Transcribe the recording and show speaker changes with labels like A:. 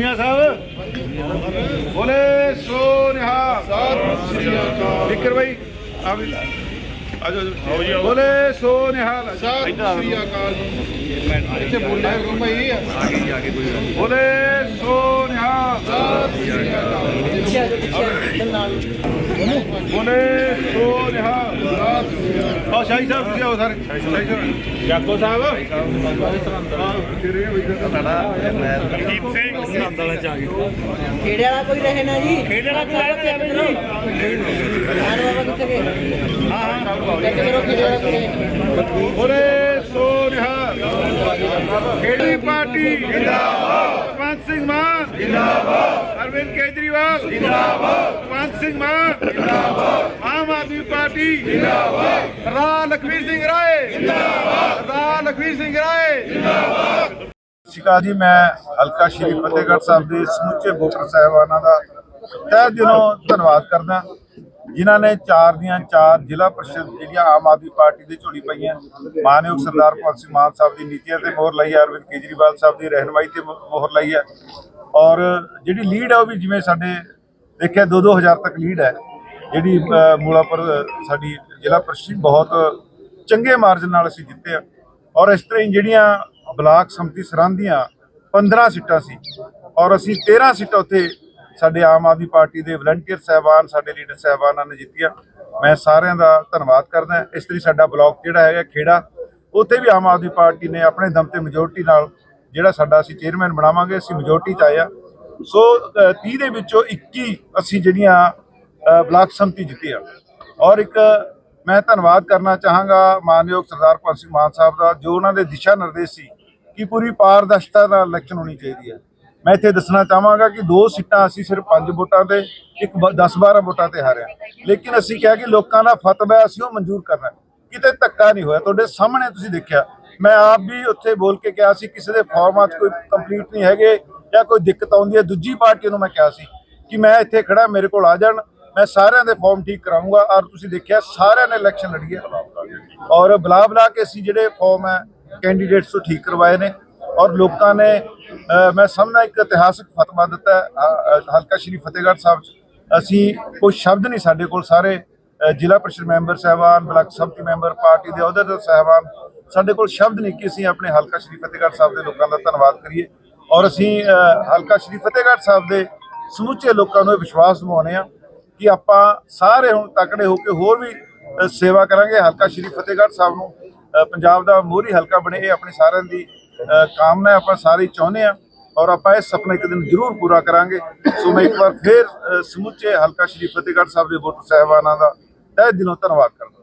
A: मियां साहब बोले सो निहाल। विकर भाई आप बोले सो निहाल। बोले सो निहाल। बोले सो निहाल। और शाही साहब किसी आओ सर जाको साहब
B: खेड़े वाला कोई रहे ना जी।
A: खेड़े वाला कोई रहे ना जी।
B: बाबा कितने के?
A: बोले सो निहाल। खेड़ी पार्टी जिंदाबाद। भगवंत सिंह मान जिंदाबाद। अरविंद केजरीवाल जिंदाबाद। भगवंत सिंह मान जिंदाबाद। आम आदमी पार्टी जिंदाबाद। सरदार लखवीर सिंह राय जिंदाबाद। सरदार लखवीर सिंह राय जिंदाबाद।
C: ਸ਼ਿਕਾ ਜੀ ਮੈਂ ਹਲਕਾ ਸ਼੍ਰੀ ਫਤਿਹਗੜ੍ਹ ਸਾਹਿਬ ਦੇ ਸਮੁੱਚੇ ਵੋਟਰ ਸਾਹਿਬਾਨਾਂ ਦਾ ਤਹਿ ਦਿਲੋਂ ਧੰਨਵਾਦ ਕਰਦਾ ਜਿਨ੍ਹਾਂ ਨੇ 4 ਦੀਆਂ 4 ਜ਼ਿਲ੍ਹਾ ਪਰਿਸ਼ਦ ਜਿਹੜੀਆਂ ਆਮ ਆਦਮੀ ਪਾਰਟੀ ਦੇ ਝੋਲੀ ਪਈਆਂ। ਮਾਨਯੋਗ ਸਰਦਾਰ ਭਗਵੰਤ ਸਿੰਘ ਮਾਨ ਸਾਹਿਬ ਦੀ ਨੀਤੀਆਂ ਤੇ ਮੋਹਰ ਲਾਈ ਹੈ, ਅਰਵਿੰਦ ਕੇਜਰੀਵਾਲ ਸਾਹਿਬ ਦੀ ਰਹਿਨੁਮਾਈ ਤੇ ਮੋਹਰ ਲਾਈ ਹੈ ਔਰ ਜਿਹੜੀ ਲੀਡ ਹੈ ਉਹ ਵੀ ਜਿਵੇਂ ਸਾਡੇ ਦੇਖਿਆ 2-2 ਹਜ਼ਾਰ ਤੱਕ ਲੀਡ ਹੈ ਜਿਹੜੀ ਮੂਲਾਪੁਰ ਸਾਡੀ ਜ਼ਿਲ੍ਹਾ ਪਰਿਸ਼ਦ ਬਹੁਤ ਚੰਗੇ ਮਾਰਜਨ ਨਾਲ ਅਸੀਂ ਜਿੱਤੇ ਆ ਔਰ ਇਸ ਤਰ੍ਹਾਂ ਹੀ ਜਿਹੜੀਆਂ ਬਲਾਕ ਸੰਮਤੀ ਸਰਹੰਦ ਦੀਆਂ 15 ਸੀਟਾਂ ਸੀ ਔਰ ਅਸੀਂ 13 ਸੀਟਾਂ ਉੱਥੇ ਸਾਡੇ ਆਮ ਆਦਮੀ ਪਾਰਟੀ ਦੇ ਵਲੰਟੀਅਰ ਸਾਹਿਬਾਨ ਸਾਡੇ ਲੀਡਰ ਸਾਹਿਬਾਨਾਂ ਨੇ ਜਿੱਤੀਆਂ। ਮੈਂ ਸਾਰਿਆਂ ਦਾ ਧੰਨਵਾਦ ਕਰਦਾ। ਇਸ ਤਰ੍ਹਾਂ ਸਾਡਾ ਬਲਾਕ ਜਿਹੜਾ ਹੈਗਾ ਖੇੜਾ ਉੱਥੇ ਵੀ ਆਮ ਆਦਮੀ ਪਾਰਟੀ ਨੇ ਆਪਣੇ ਦਮ ਤੇ ਮੈਜੋਰਟੀ ਨਾਲ ਜਿਹੜਾ ਸਾਡਾ ਅਸੀਂ ਚੇਅਰਮੈਨ ਬਣਾਵਾਂਗੇ, ਅਸੀਂ ਮੈਜੋਰਟੀ 'ਚ ਆਏ ਆ। ਸੋ 30 ਦੇ ਵਿੱਚੋਂ 21 ਅਸੀਂ ਜਿਹੜੀਆਂ ਬਲਾਕ ਸੰਮਤੀ ਜਿੱਤੀ ਆ ਔਰ ਇੱਕ ਮੈਂ ਧੰਨਵਾਦ ਕਰਨਾ ਚਾਹਾਂਗਾ ਮਾਨਯੋਗ ਸਰਦਾਰ ਭਗਵੰਤ ਸਿੰਘ ਮਾਨ ਸਾਹਿਬ ਦਾ ਜੋ ਉਹਨਾਂ ਦੇ ਦਿਸ਼ਾ ਨਿਰਦੇਸ਼ ਸੀ ਕਿ ਪੂਰੀ ਪਾਰਦਰਸ਼ਤਾ ਨਾਲ ਇਲੈਕਸ਼ਨ ਹੋਣੀ ਚਾਹੀਦੀ ਹੈ। ਮੈਂ ਇੱਥੇ ਦੱਸਣਾ ਚਾਹਾਂਗਾ ਕਿ 2 ਸੀਟਾਂ ਅਸੀਂ ਸਿਰਫ 5 ਵੋਟਾਂ ਤੇ ਇੱਕ 10-12 ਵੋਟਾਂ ਤੇ ਹਾਰਿਆ ਲੇਕਿਨ ਅਸੀਂ ਕਿਹਾ ਕਿ ਲੋਕਾਂ ਦਾ ਫਤਵਾ ਅਸੀਂ ਉਹ ਮਨਜ਼ੂਰ ਕਰਨਾ। ਕਿਤੇ ਧੱਕਾ ਨਹੀਂ ਹੋਇਆ, ਤੁਹਾਡੇ ਸਾਹਮਣੇ ਤੁਸੀਂ ਦੇਖਿਆ। ਮੈਂ ਆਪ ਵੀ ਉੱਥੇ ਬੋਲ ਕੇ ਕਿਹਾ ਸੀ ਕਿਸੇ ਦੇ ਫਾਰਮਾਂ 'ਚ ਕੋਈ ਕੰਪਲੀਟ ਨਹੀਂ ਹੈਗੇ ਜਾਂ ਕੋਈ ਦਿੱਕਤ ਆਉਂਦੀ ਹੈ ਦੂਜੀ ਪਾਰਟੀ ਨੂੰ ਮੈਂ ਕਿਹਾ ਸੀ ਕਿ ਮੈਂ ਇੱਥੇ ਖੜਾ ਮੇਰੇ ਕੋਲ ਆ ਜਾਣ, ਮੈਂ ਸਾਰਿਆਂ ਦੇ ਫਾਰਮ ਠੀਕ ਕਰਾਊਂਗਾ ਔਰ ਤੁਸੀਂ ਦੇਖਿਆ ਸਾਰਿਆਂ ਨੇ ਇਲੈਕਸ਼ਨ ਲੜੀ ਹੈ ਔਰ ਬੁਲਾ ਕੇ ਅਸੀਂ ਜਿਹੜੇ ਫਾਰਮ ਹੈ ਕੈਂਡੀਡੇਟਸ ਤੋਂ ਠੀਕ ਕਰਵਾਏ ਨੇ ਔਰ ਲੋਕਾਂ ਨੇ ਮੈਂ ਸਮਝਦਾ ਇੱਕ ਇਤਿਹਾਸਕ ਫਤਵਾ ਦਿੱਤਾ ਹਲਕਾ ਸ਼੍ਰੀ ਫਤਿਹਗੜ੍ਹ ਸਾਹਿਬ 'ਚ। ਅਸੀਂ ਕੋਈ ਸ਼ਬਦ ਨਹੀਂ ਸਾਡੇ ਕੋਲ, ਸਾਰੇ ਜ਼ਿਲ੍ਹਾ ਪਰਿਸ਼ਦ ਮੈਂਬਰ ਸਾਹਿਬਾਨ, ਬਲਾਕ ਸੰਮਤੀ ਮੈਂਬਰ, ਪਾਰਟੀ ਦੇ ਅਹੁਦੇਦਾਰ ਸਾਹਿਬਾਨ, ਸਾਡੇ ਕੋਲ ਸ਼ਬਦ ਨਹੀਂ ਕਿ ਅਸੀਂ ਆਪਣੇ ਹਲਕਾ ਸ਼੍ਰੀ ਫਤਿਹਗੜ੍ਹ ਸਾਹਿਬ ਦੇ ਲੋਕਾਂ ਦਾ ਧੰਨਵਾਦ ਕਰੀਏ ਔਰ ਅਸੀਂ ਹਲਕਾ ਸ਼੍ਰੀ ਫਤਿਹਗੜ੍ਹ ਸਾਹਿਬ ਦੇ ਸਮੁੱਚੇ ਲੋਕਾਂ ਨੂੰ ਇਹ ਵਿਸ਼ਵਾਸ ਦਿਵਾਉਂਦੇ ਹਾਂ ਕਿ ਆਪਾਂ ਸਾਰੇ ਹੁਣ ਤਕੜੇ ਹੋ ਕੇ ਹੋਰ ਵੀ ਸੇਵਾ ਕਰਾਂਗੇ। ਹਲਕਾ ਸ਼੍ਰੀ ਫਤਿਹਗੜ੍ਹ ਸਾਹਿਬ ਨੂੰ ਪੰਜਾਬ ਦਾ ਮੋਹਰੀ ਹਲਕਾ ਬਣੇ, ਇਹ ਆਪਣੀ ਸਾਰਿਆਂ ਦੀ ਕਾਮਨਾ ਆਪਾਂ ਸਾਰੇ ਚਾਹੁੰਦੇ ਹਾਂ ਔਰ ਆਪਾਂ ਇਹ ਸੁਪਨਾ ਇੱਕ ਦਿਨ ਜ਼ਰੂਰ ਪੂਰਾ ਕਰਾਂਗੇ। ਸੋ ਮੈਂ ਇੱਕ ਵਾਰ ਫਿਰ ਸਮੁੱਚੇ ਹਲਕਾ ਸ਼੍ਰੀ ਫਤਿਹਗੜ੍ਹ ਸਾਹਿਬ ਦੇ ਵੋਟਰ ਸਾਹਿਬਾਨਾਂ ਦਾ ਤਹਿ ਦਿਲੋਂ ਧੰਨਵਾਦ ਕਰਦਾ।